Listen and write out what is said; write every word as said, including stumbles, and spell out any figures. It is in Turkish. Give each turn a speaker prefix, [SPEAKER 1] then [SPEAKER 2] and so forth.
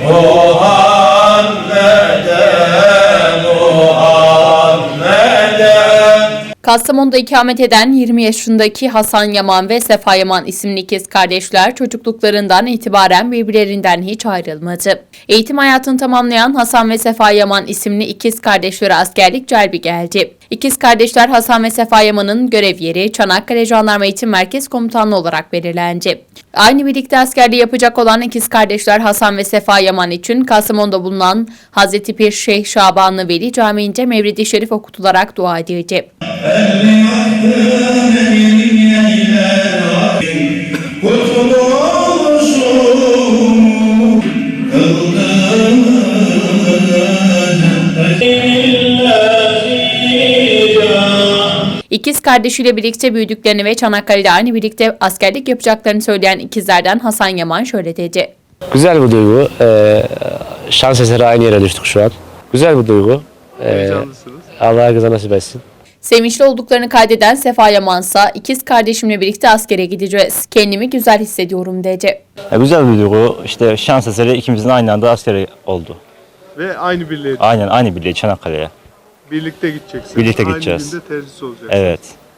[SPEAKER 1] Kastamonu'da ikamet eden yirmi yaşındaki Hasan Yaman ve Sefa Yaman isimli ikiz kardeşler çocukluklarından itibaren birbirlerinden hiç ayrılmadı. Eğitim hayatını tamamlayan Hasan ve Sefa Yaman isimli ikiz kardeşlere askerlik celbi geldi. İkiz kardeşler Hasan ve Sefa Yaman'ın görev yeri Çanakkale Jandarma Eğitim Merkez Komutanlığı olarak belirlendi. Aynı birlikte askerliği yapacak olan ikiz kardeşler Hasan ve Sefa Yaman için Kastamonu'da bulunan Hazreti Pir Şeyh Şabanlı Veli Camii'nde Mevlid-i Şerif okutularak dua edildi. İkiz kardeşiyle birlikte büyüdüklerini ve Çanakkale'de aynı birlikte askerlik yapacaklarını söyleyen ikizlerden Hasan Yaman şöyle dedi.
[SPEAKER 2] Güzel bir duygu. Ee, şans eseri aynı yere düştük şu an. Güzel bir duygu. Ee, Allah herkese nasip etsin.
[SPEAKER 1] Sevinçli olduklarını kaydeden Sefa Yamansa ikiz kardeşimle birlikte askere gideceğiz. Kendimi güzel hissediyorum dedi.
[SPEAKER 3] Ya güzel bir duygu. İşte şans eseri ikimizin aynı anda askeri oldu.
[SPEAKER 4] Ve aynı birliğe.
[SPEAKER 3] Aynen aynı birliğe Çanakkale'ye.
[SPEAKER 4] Birlikte gideceksiniz.
[SPEAKER 3] Birlikte gideceğiz.
[SPEAKER 4] Aynı günde terhis olacaksınız.
[SPEAKER 3] Evet.